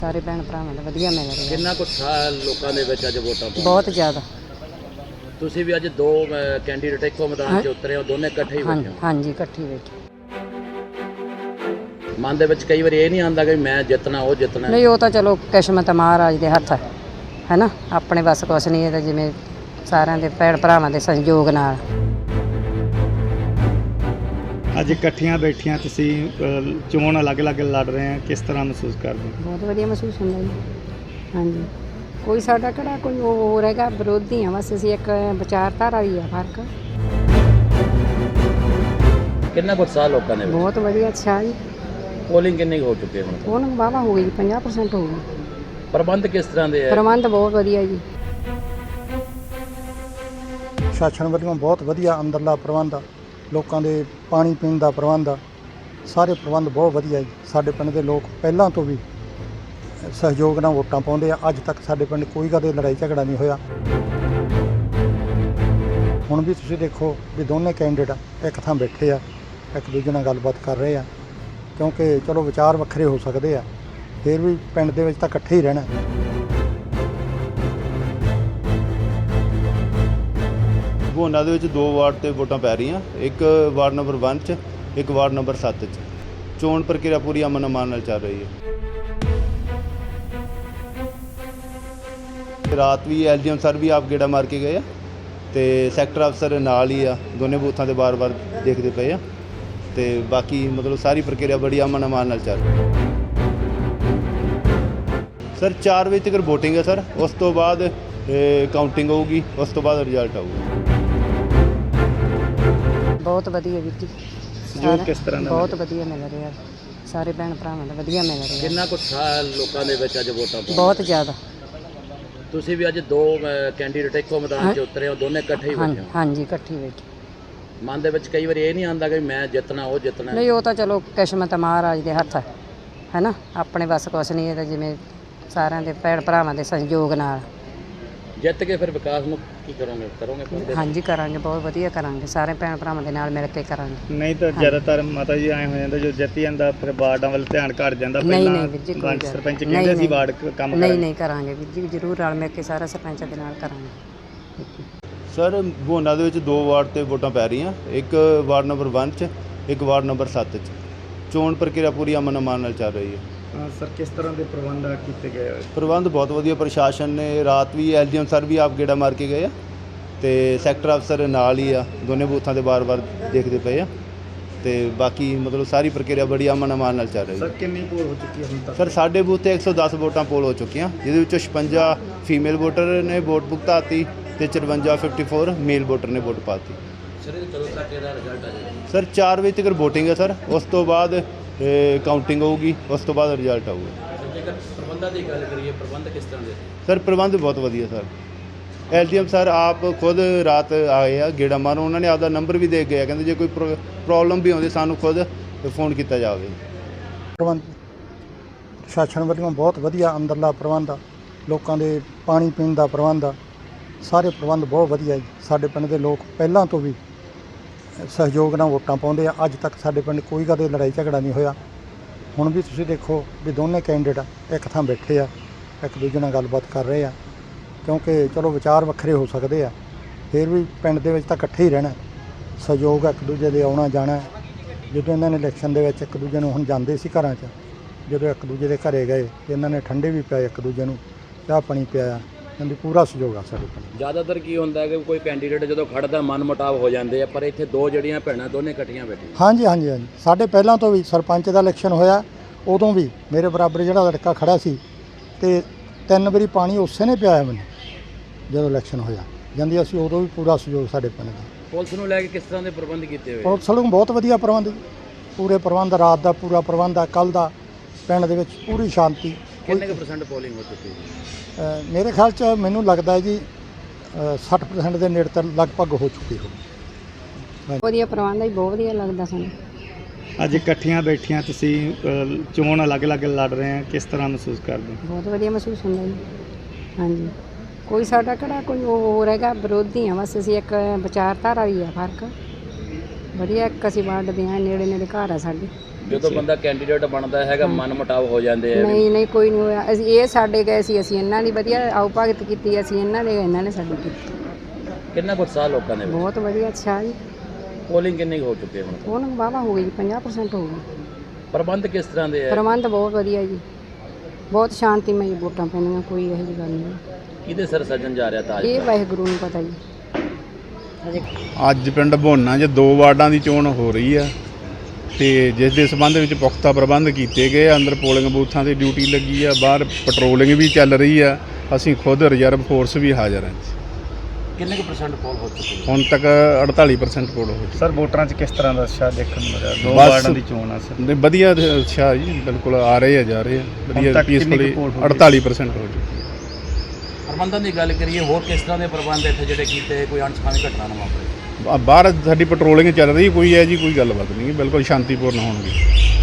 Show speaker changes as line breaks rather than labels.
ਸਾਰੇ ਭੈਣ ਭਰਾਵਾਂ ਦਾ ਵਧੀਆ ਮਿਲ ਰਿਹਾ।
ਕਿੰਨਾ ਕੁ ਸਾਲ ਲੋਕਾਂ ਦੇ ਵਿੱਚ ਅੱਜ ਵੋਟਾਂ ਪਾਉਣ?
ਬਹੁਤ ਜ਼ਿਆਦਾ।
ਤੁਸੀਂ ਵੀ ਅੱਜ ਦੋ ਕੈਂਡੀਡੇਟ ਇੱਕੋ ਮੈਦਾਨ 'ਚ ਉਤਰੇ ਹੋ, ਦੋਨੇ ਇਕੱਠੇ ਹੀ ਬੈਠੇ ਹੋ?
ਹਾਂਜੀ ਇਕੱਠੀ ਬੈਠੇ।
ਮਨ ਦੇ ਵਿੱਚ ਕਈ ਵਾਰੀ ਇਹ ਨਹੀਂ ਆਉਂਦਾ ਕਿ ਮੈਂ ਜਿੱਤਣਾ ਉਹ ਜਿੱਤਣਾ?
ਨਹੀਂ, ਉਹ ਤਾਂ ਚਲੋ ਕਿਸਮਤ ਮਹਾਰਾਜ ਦੇ ਹੱਥ ਹੈ ਨਾ, ਆਪਣੇ ਬਸ ਕੁਛ ਨਹੀਂ। ਇਹ ਤਾਂ ਜਿਵੇਂ ਸਾਰਿਆਂ ਦੇ ਭੈਣ ਭਰਾਵਾਂ ਦੇ ਸਹਿਯੋਗ ਨਾਲ
ਅੱਜ ਇਕੱਠੀਆਂ ਬੈਠੀਆਂ ਤੁਸੀਂ ਚੋਣ ਅਲੱਗ-ਅਲੱਗ ਲੜ ਰਹੇ ਆ, ਕਿਸ ਤਰ੍ਹਾਂ ਮਹਿਸੂਸ ਕਰਦੇ ਹੋ?
ਬਹੁਤ ਵਧੀਆ ਮਹਿਸੂਸ ਹੁੰਦਾ ਜੀ। ਹਾਂਜੀ, ਕੋਈ ਸਾਡਾ ਕਿਹੜਾ ਕੋਈ ਉਹ ਹੋਰ ਹੈਗਾ, ਵਿਰੋਧੀ ਆ ਬਸ ਅਸੀਂ, ਇੱਕ ਵਿਚਾਰਧਾਰਾ ਵੀ ਆ ਫਰਕ।
ਕਿੰਨਾ ਕੁ ਸਾਲ ਲੋਕਾਂ ਦੇ ਵਿੱਚ?
ਬਹੁਤ ਵਧੀਆ। ਅੱਛਾ ਜੀ।
ਪੋਲਿੰਗ ਕਿੰਨੀ ਕੁ ਹੋ ਚੁੱਕੀ ਹੈ ਹੁਣ?
ਉਹਨੂੰ ਵਾਹਵਾ ਹੋ ਗਈ ਜੀ, 50% ਹੋ ਗਈ।
ਪ੍ਰਬੰਧ ਕਿਸ ਤਰ੍ਹਾਂ ਦੇ ਹੈ?
ਪ੍ਰਬੰਧ ਬਹੁਤ ਵਧੀਆ ਜੀ।
ਸ਼ਾਸਨ ਵੱਲੋਂ ਬਹੁਤ ਵਧੀਆ ਅੰਦਰਲਾ ਪ੍ਰਬੰਧ ਆ, ਲੋਕਾਂ ਦੇ ਪਾਣੀ ਪੀਣ ਦਾ ਪ੍ਰਬੰਧ ਆ, ਸਾਰੇ ਪ੍ਰਬੰਧ ਬਹੁਤ ਵਧੀਆ ਜੀ। ਸਾਡੇ ਪਿੰਡ ਦੇ ਲੋਕ ਪਹਿਲਾਂ ਤੋਂ ਵੀ ਸਹਿਯੋਗ ਨਾਲ ਵੋਟਾਂ ਪਾਉਂਦੇ ਆ। ਅੱਜ ਤੱਕ ਸਾਡੇ ਪਿੰਡ ਕੋਈ ਕਦੇ ਲੜਾਈ ਝਗੜਾ ਨਹੀਂ ਹੋਇਆ। ਹੁਣ ਵੀ ਤੁਸੀਂ ਦੇਖੋ ਵੀ ਦੋਨੇ ਕੈਂਡੀਡੇਟ ਇੱਕ ਥਾਂ ਬੈਠੇ ਆ, ਇੱਕ ਦੂਜੇ ਨਾਲ ਗੱਲਬਾਤ ਕਰ ਰਹੇ ਆ, ਕਿਉਂਕਿ ਚਲੋ ਵਿਚਾਰ ਵੱਖਰੇ ਹੋ ਸਕਦੇ ਆ, ਫਿਰ ਵੀ ਪਿੰਡ ਦੇ ਵਿੱਚ ਤਾਂ ਇਕੱਠੇ ਹੀ ਰਹਿਣਾ।
ਭਗੋਨਾ ਦੇ ਵਿੱਚ 2 ਵਾਰਡ ਤੇ ਵੋਟਾਂ ਪੈ ਰਹੀਆਂ, ਇੱਕ ਵਾਰਡ ਨੰਬਰ 1 'ਚ, ਇੱਕ ਵਾਰਡ ਨੰਬਰ 7 'ਚ। ਚੋਣ ਪ੍ਰਕਿਰਿਆ ਪੂਰੀ ਅਮਨ ਅਮਾਨ ਨਾਲ ਚੱਲ ਰਹੀ ਹੈ। ਰਾਤ ਵੀ ਐਲਡੀਐਮ ਸਰ ਵੀ ਆਪ ਗੇੜਾ ਮਾਰ ਕੇ ਗਏ ਆ ਤੇ ਸੈਕਟਰ ਅਫਸਰ ਨਾਲ ਹੀ ਆ, ਦੋਨੇ ਬੂਥਾਂ ਤੇ ਬਾਰ-ਬਾਰ ਦੇਖਦੇ ਪਏ ਆ ਤੇ ਬਾਕੀ ਮਤਲਬ ਸਾਰੀ ਪ੍ਰਕਿਰਿਆ ਬੜੀ ਅਮਨ ਅਮਾਨ ਨਾਲ ਚੱਲ ਰਹੀ ਹੈ। ਸਰ 4 ਵਜੇ ਤੱਕ ਵੋਟਿੰਗ ਹੈ ਸਰ, ਉਸ ਤੋਂ ਬਾਅਦ ਕਾਊਂਟਿੰਗ ਹੋਊਗੀ, ਉਸ ਤੋਂ ਬਾਅਦ ਰਿਜ਼ਲਟ ਆਊਗਾ।
ਬਹੁਤ ਵਧੀਆ ਵੀਰ ਜੀ।
ਜੋ ਕਿਸ ਤਰ੍ਹਾਂ ਦਾ
ਬਹੁਤ ਵਧੀਆ ਮਿਲ ਰਿਹਾ, ਸਾਰੇ ਭੈਣ ਭਰਾਵਾਂ ਦਾ ਵਧੀਆ ਮਿਲ ਰਿਹਾ।
ਕਿੰਨਾ ਕੁ ਸਾਲ ਲੋਕਾਂ ਦੇ ਵਿੱਚ ਅੱਜ ਵੋਟਾਂ ਪਾਉਣ?
ਬਹੁਤ ਜ਼ਿਆਦਾ।
ਤੁਸੀਂ ਵੀ ਅੱਜ ਦੋ ਕੈਂਡੀਡੇਟ ਇੱਕੋ ਮੈਦਾਨ 'ਚ ਉਤਰੇ ਹੋ, ਦੋਨੇ ਇਕੱਠੇ ਹੀ ਬੈਠੇ ਹੋ?
ਹਾਂਜੀ ਇਕੱਠੀ ਬੈਠੇ।
ਮਨ ਦੇ ਵਿੱਚ ਕਈ ਵਾਰੀ ਇਹ ਨਹੀਂ ਆਉਂਦਾ ਕਿ ਮੈਂ ਜਿੱਤਣਾ ਉਹ ਜਿੱਤਣਾ?
ਨਹੀਂ, ਉਹ ਤਾਂ ਚਲੋ ਕਿਸਮਤ ਮਹਾਰਾਜ ਦੇ ਹੱਥ ਹੈ ਨਾ, ਆਪਣੇ ਬਸ ਕੁਛ ਨਹੀਂ। ਇਹ ਤਾਂ ਜਿਵੇਂ ਸਾਰਿਆਂ ਦੇ ਭੈਣ ਭਰਾਵਾਂ ਦੇ ਸਹਿਯੋਗ ਨਾਲ
ਜਿੱਤ ਕੇ ਫਿਰ ਵਿਕਾਸ ਨੂੰ ਕੀ ਕਰੋਗੇ?
ਹਾਂਜੀ ਕਰਾਂਗੇ, ਬਹੁਤ ਵਧੀਆ ਕਰਾਂਗੇ, ਸਾਰੇ ਭੈਣ ਭਰਾਵਾਂ ਦੇ ਨਾਲ ਮਿਲ ਕੇ ਕਰਾਂਗੇ।
ਨਹੀਂ ਤਾਂ ਜ਼ਿਆਦਾਤਰ ਮਾਤਾ ਜੀ ਐਂ ਹੋ ਜਾਂਦਾ, ਜੋ ਜਿੱਤੀ ਜਾਂਦਾ ਫਿਰ ਵਾਰਡਾਂ ਵੱਲ ਧਿਆਨ ਘੱਟ ਜਾਂਦਾ।
ਨਹੀਂ ਵੀਰ ਜੀ, ਕੋਈ
ਪੰਚ
ਗੱਲ
ਸਰਪੰਚ
ਨਹੀਂ।
ਕਹਿੰਦੇ ਸੀ ਵਾਰਡ ਕੰਮ
ਨਹੀਂ ਨਹੀਂ ਕਰਾਂਗੇ ਵੀਰ ਜੀ, ਜ਼ਰੂਰ ਰਲ ਮਿਲ ਕੇ ਸਾਰਾ ਸਰਪੰਚਾਂ ਦੇ ਨਾਲ ਕਰਾਂਗੇ।
ਸਰ ਭਗੋਨਾ ਦੇ ਵਿੱਚ 2 ਵਾਰਡ ਤੇ ਵੋਟਾਂ ਪੈ ਰਹੀਆਂ, ਇੱਕ ਵਾਰਡ ਨੰਬਰ 1 'ਚ, ਇੱਕ ਵਾਰਡ ਨੰਬਰ 7 'ਚ। ਚੋਣ ਪ੍ਰਕਿਰਿਆ ਪੂਰੀ ਅਮਨ ਅਮਾਨ ਨਾਲ ਚੱਲ ਰਹੀ ਹੈ।
ਸਰ ਕਿਸ ਤਰ੍ਹਾਂ ਦੇ ਪ੍ਰਬੰਧ ਕੀਤੇ ਗਏ ਹੋਏ?
ਪ੍ਰਬੰਧ ਬਹੁਤ ਵਧੀਆ, ਪ੍ਰਸ਼ਾਸਨ ਨੇ ਰਾਤ ਵੀ ਐਲਡੀਐਮ ਸਰ ਵੀ ਆਪ ਗੇੜਾ ਮਾਰ ਕੇ ਗਏ ਆ ਤੇ ਸੈਕਟਰ ਅਫਸਰ ਨਾਲ ਹੀ ਆ, ਦੋਨੇ ਬੂਥਾਂ ਤੇ ਬਾਰ-ਬਾਰ ਦੇਖਦੇ ਪਏ ਆ ਤੇ ਬਾਕੀ ਮਤਲਬ ਸਾਰੀ ਪ੍ਰਕਿਰਿਆ ਬੜੀ ਅਮਨ ਅਮਾਨ ਨਾਲ ਚੱਲ ਰਹੀ ਹੈ।
ਸਰ ਕਿੰਨੀ ਪੋਲ ਹੋ ਚੁੱਕੀ ਹੈ ਹੁਣ ਤੱਕ?
ਸਰ ਸਾਡੇ ਬੂਥ ਤੇ 110 ਵੋਟਾਂ ਪੋਲ ਹੋ ਚੁੱਕੀਆਂ, ਜਿਹਦੇ ਵਿੱਚੋਂ 56 ਫੀਮੇਲ ਵੋਟਰ ਨੇ ਵੋਟ ਭੁਗਤਾਤੀ ਤੇ 54 ਮੇਲ ਵੋਟਰ ਨੇ ਵੋਟ ਪਾਤੀ।
ਸਰ ਇਹ ਕਦੋਂ ਤੱਕ ਇਹਦਾ ਰਿਜ਼ਲਟ ਆ ਜਾਏਗਾ?
ਸਰ 4 ਵਜੇ ਤੱਕ ਵੋਟਿੰਗ ਹੈ ਸਰ, ਉਸ ਤੋਂ ਬਾਅਦ ਕਾਊਂਟਿੰਗ ਹੋਊਗੀ, ਉਸ ਤੋਂ ਬਾਅਦ ਰਿਜ਼ਲਟ ਆਊਗਾ।
ਜੇਕਰ ਪ੍ਰਬੰਧਾਂ ਦੀ ਗੱਲ ਕਰੀਏ, ਪ੍ਰਬੰਧ ਕਿਸ ਤਰ੍ਹਾਂ ਦੇ?
ਸਰ ਪ੍ਰਬੰਧ ਬਹੁਤ ਵਧੀਆ ਸਰ, ਐਲਡੀਐਮ ਸਰ ਆਪ ਖੁਦ ਰਾਤ ਆਏ ਆ ਗੇੜਾ ਮਾਰੋ, ਉਹਨਾਂ ਨੇ ਆਪਦਾ ਨੰਬਰ ਵੀ ਦੇ ਗਿਆ, ਕਹਿੰਦੇ ਜੇ ਕੋਈ ਪ੍ਰੋਬਲਮ ਵੀ ਆਉਂਦੀ ਸਾਨੂੰ ਖੁਦ ਫੋਨ ਕੀਤਾ ਜਾਵੇ।
ਪ੍ਰਬੰਧ ਸ਼ਾਸਨ ਵੱਲੋਂ ਬਹੁਤ ਵਧੀਆ ਅੰਦਰਲਾ ਪ੍ਰਬੰਧ ਆ, ਲੋਕਾਂ ਦੇ ਪਾਣੀ ਪੀਣ ਦਾ ਪ੍ਰਬੰਧ ਆ, ਸਾਰੇ ਪ੍ਰਬੰਧ ਬਹੁਤ ਵਧੀਆ ਜੀ। ਸਾਡੇ ਪਿੰਡ ਦੇ ਲੋਕ ਪਹਿਲਾਂ ਤੋਂ ਵੀ ਸਹਿਯੋਗ ਨਾਲ ਵੋਟਾਂ ਪਾਉਂਦੇ ਆ। ਅੱਜ ਤੱਕ ਸਾਡੇ ਪਿੰਡ ਕੋਈ ਕਦੇ ਲੜਾਈ ਝਗੜਾ ਨਹੀਂ ਹੋਇਆ। ਹੁਣ ਵੀ ਤੁਸੀਂ ਦੇਖੋ ਵੀ ਦੋਨੇ ਕੈਂਡੀਡੇਟ ਇੱਕ ਥਾਂ ਬੈਠੇ ਆ, ਇੱਕ ਦੂਜੇ ਨਾਲ ਗੱਲਬਾਤ ਕਰ ਰਹੇ ਆ, ਕਿਉਂਕਿ ਚਲੋ ਵਿਚਾਰ ਵੱਖਰੇ ਹੋ ਸਕਦੇ ਆ, ਫਿਰ ਵੀ ਪਿੰਡ ਦੇ ਵਿੱਚ ਤਾਂ ਇਕੱਠੇ ਹੀ ਰਹਿਣਾ। ਸਹਿਯੋਗ ਇੱਕ ਦੂਜੇ ਦੇ ਆਉਣਾ ਜਾਣਾ। ਜਦੋਂ ਇਹਨਾਂ ਨੇ ਇਲੈਕਸ਼ਨ ਦੇ ਵਿੱਚ ਇੱਕ ਦੂਜੇ ਨੂੰ ਹੁਣ ਜਾਂਦੇ ਸੀ ਘਰਾਂ 'ਚ, ਜਦੋਂ ਇੱਕ ਦੂਜੇ ਦੇ ਘਰੇ ਗਏ ਤੇ ਇਹਨਾਂ ਨੇ ਠੰਡੇ ਵੀ ਪਿਆਏ, ਇੱਕ ਦੂਜੇ ਨੂੰ ਚਾਹ ਪਾਣੀ ਪਿਆਇਆ, ਇਹਨਾਂ ਦੀ ਪੂਰਾ ਸਹਿਯੋਗ ਆ ਸਾਡੇ ਪਿੰਡ।
ਜ਼ਿਆਦਾਤਰ ਕੀ ਹੁੰਦਾ ਹੈ ਕਿ ਕੋਈ ਕੈਂਡੀਡੇਟ ਜਦੋਂ ਖੜਦਾ ਮਨ ਮੁਟਾਵ ਹੋ ਜਾਂਦੇ ਆ, ਪਰ ਇੱਥੇ ਦੋ ਜਿਹੜੀਆਂ ਭੈਣਾਂ ਦੋਨੇ ਇਕੱਠੀਆਂ ਬੈਠੀਆਂ।
ਹਾਂਜੀ ਹਾਂਜੀ ਹਾਂਜੀ, ਸਾਡੇ ਪਹਿਲਾਂ ਤੋਂ ਵੀ ਸਰਪੰਚ ਦਾ ਇਲੈਕਸ਼ਨ ਹੋਇਆ, ਉਦੋਂ ਵੀ ਮੇਰੇ ਬਰਾਬਰ ਜਿਹੜਾ ਲੜਕਾ ਖੜਾ ਸੀ ਤੇ 3 ਵਾਰੀ ਪਾਣੀ ਉਸੇ ਨੇ ਪਿਆਇਆ ਮੈਨੂੰ ਜਦੋਂ ਇਲੈਕਸ਼ਨ ਹੋਇਆ ਜਾਂਦੀ। ਅਸੀਂ ਉਦੋਂ ਵੀ ਪੂਰਾ ਸਹਿਯੋਗ ਸਾਡੇ ਪਿੰਡ ਦਾ।
ਪੁਲਿਸ ਨੂੰ ਲੈ ਕੇ ਕਿਸ ਤਰ੍ਹਾਂ ਦੇ ਪ੍ਰਬੰਧ ਕੀਤੇ ਹੋਏ?
ਪੁਲਿਸ ਵੱਲੋਂ ਬਹੁਤ ਵਧੀਆ ਪ੍ਰਬੰਧ, ਪੂਰੇ ਪ੍ਰਬੰਧ, ਰਾਤ ਦਾ ਪੂਰਾ ਪ੍ਰਬੰਧ ਆ। ਕੱਲ੍ਹ ਦਾ ਪਿੰਡ ਦੇ ਵਿੱਚ ਪੂਰੀ ਸ਼ਾਂਤੀ।
ਕਿੰਨੇ ਕੁ % ਪੋਲਿੰਗ ਹੋ ਚੁੱਕੀ ਹੈ?
ਮੇਰੇ ਖਿਆਲ 'ਚ ਮੈਨੂੰ ਲੱਗਦਾ ਹੈ ਜੀ 60% ਦੇ ਨੇੜੇ ਤੱਕ ਲਗਭਗ ਹੋ ਚੁੱਕੀ ਹੋਵੇ।
ਵਧੀਆ ਪ੍ਰਬੰਧ ਹੈ, ਬਹੁਤ ਵਧੀਆ ਲੱਗਦਾ ਸਾਨੂੰ।
ਅੱਜ ਇਕੱਠੀਆਂ ਬੈਠੀਆਂ ਤੁਸੀਂ ਚੋਣ ਅਲੱਗ-ਅਲੱਗ ਲੜ ਰਹੇ ਆ, ਕਿਸ ਤਰ੍ਹਾਂ ਮਹਿਸੂਸ ਕਰਦੇ ਹੋ?
ਬਹੁਤ ਵਧੀਆ ਮਹਿਸੂਸ ਹੁੰਦਾ ਜੀ। ਹਾਂਜੀ, ਕੋਈ ਸਾਡਾ ਕਿਹੜਾ ਕੋਈ ਉਹ ਹੋਰ ਹੈਗਾ, ਵਿਰੋਧੀ ਆ ਬਸ ਅਸੀਂ, ਇੱਕ ਵਿਚਾਰਧਾਰਾ ਵੀ ਆ ਫਰਕ। ਵਧੀਆ, ਇੱਕ ਅਸੀਂ ਵੰਡਦੇ ਹਾਂ, ਨੇੜੇ ਨੇੜੇ ਘਰ ਆ ਸਾਡੇ।
ਜਦੋਂ ਬੰਦਾ ਕੈਂਡੀਡੇਟ ਬਣਦਾ ਹੈਗਾ ਮਨ ਮੁਟਾਵ ਹੋ ਜਾਂਦੇ ਆ
ਨਹੀਂ ਨਹੀਂ ਕੋਈ ਨਹੀਂ ਹੋਇਆ। ਅਸੀਂ ਇਹ ਸਾਡੇ ਗਏ ਸੀ, ਅਸੀਂ ਇਹਨਾਂ ਦੀ ਵਧੀਆ ਆਓ ਭਗਤ ਕੀਤੀ, ਅਸੀਂ ਇਹਨਾਂ ਨੇ ਸਾਡੀ ਕੀਤੀ।
ਕਿੰਨਾ ਕੁ ਉਤਸ਼ਾਹ ਲੋਕਾਂ ਦੇ ਵਿੱਚ?
ਬਹੁਤ ਵਧੀਆ, ਅੱਛਾ ਜੀ।
ਪੋਲਿੰਗ ਕਿੰਨੀ ਕੁ ਹੋ ਚੁੱਕੀ ਹੈ ਹੁਣ?
ਉਹਨਾਂ ਵਾਹਵਾ ਹੋ ਗਈ ਜੀ, 50% ਹੋ ਗਈ।
ਪ੍ਰਬੰਧ ਕਿਸ ਤਰ੍ਹਾਂ ਦੇ ਹੈ?
ਪ੍ਰਬੰਧ ਬਹੁਤ ਵਧੀਆ ਜੀ, ਬਹੁਤ ਸ਼ਾਂਤੀਮਈ ਵੋਟਾਂ ਪੈਣੀਆਂ, ਕੋਈ ਇਹੋ ਜਿਹੀ ਗੱਲ ਨਹੀਂ।
ਕਿਹਦੇ ਸਿਰ ਸੱਜਣ ਜਾ ਰਿਹਾ ਤਾਜ?
ਇਹ ਵਾਹਿਗੁਰੂ ਨੂੰ ਪਤਾ ਜੀ।
ਅੱਜ ਪਿੰਡ ਭੋਨਾ 'ਚ 2 ਵਾਰਡਾਂ ਦੀ ਚੋਣ ਹੋ ਰਹੀ ਆ ਤੇ ਜਿਸ ਦੇ ਸਬੰਧ ਵਿੱਚ ਪੁਖਤਾ ਪ੍ਰਬੰਧ ਕੀਤੇ ਗਏ ਆ। ਅੰਦਰ ਪੋਲਿੰਗ ਬੂਥਾਂ ਤੇ ਡਿਊਟੀ ਲੱਗੀ ਆ, ਬਾਹਰ ਪੈਟਰੋਲਿੰਗ ਵੀ ਚੱਲ ਰਹੀ ਆ। ਅਸੀਂ ਖੁਦ ਰਿਜ਼ਰਵ ਫੋਰਸ ਵੀ ਹਾਜ਼ਰ ਹਾਂ।
ਕਿੰਨੇ ਕੁ % ਪੋਲ ਹੋ ਚੁੱਕੀ ਹੈ?
ਹੁਣ ਤੱਕ 48% ਪੋਲ ਹੋ ਚੁੱਕੀ।
ਸਰ ਵੋਟਰਾਂ 'ਚ ਕਿਸ ਤਰ੍ਹਾਂ ਦਾ ਉਤਸ਼ਾਹ ਦੇਖਣ ਨੂੰ ਮਿਲਿਆ? 2
ਬਸ।
ਵਾਰਡਾਂ ਦੀ ਚੋਣ ਆ ਸਰ।
ਨਹੀਂ, ਵਧੀਆ ਅੱਛਾ ਜੀ, ਬਿਲਕੁਲ ਆ ਰਹੇ ਆ, ਜਾ ਰਹੇ ਆ ਵਧੀਆ,
ਤੱਕ ਕਿੰਨੀ ਕੁ
ਪੀਸਫੁਲੀ।
poll ਹੋ ਗਈ?
48% ਹੋ ਚੁੱਕੀ।
ਪ੍ਰਬੰਧਾਂ ਦੀ ਗੱਲ ਕਰੀਏ, ਹੋਰ ਕਿਸ ਤਰ੍ਹਾਂ ਦੇ ਪ੍ਰਬੰਧ ਇੱਥੇ ਜਿਹੜੇ ਕੀਤੇ, ਕੋਈ ਅਣਸੁਖਾਵੀ ਘਟਨਾ ਨਾ ਵਾਪਰੇ?
ਬਾਹਰ ਸਾਡੀ ਪੈਟਰੋਲਿੰਗ ਚੱਲ ਰਹੀ, ਕੋਈ ਹੈ ਜੀ ਕੋਈ ਗੱਲਬਾਤ ਨਹੀਂ, ਬਿਲਕੁਲ ਸ਼ਾਂਤੀਪੂਰਨ ਹੋਣਗੇ।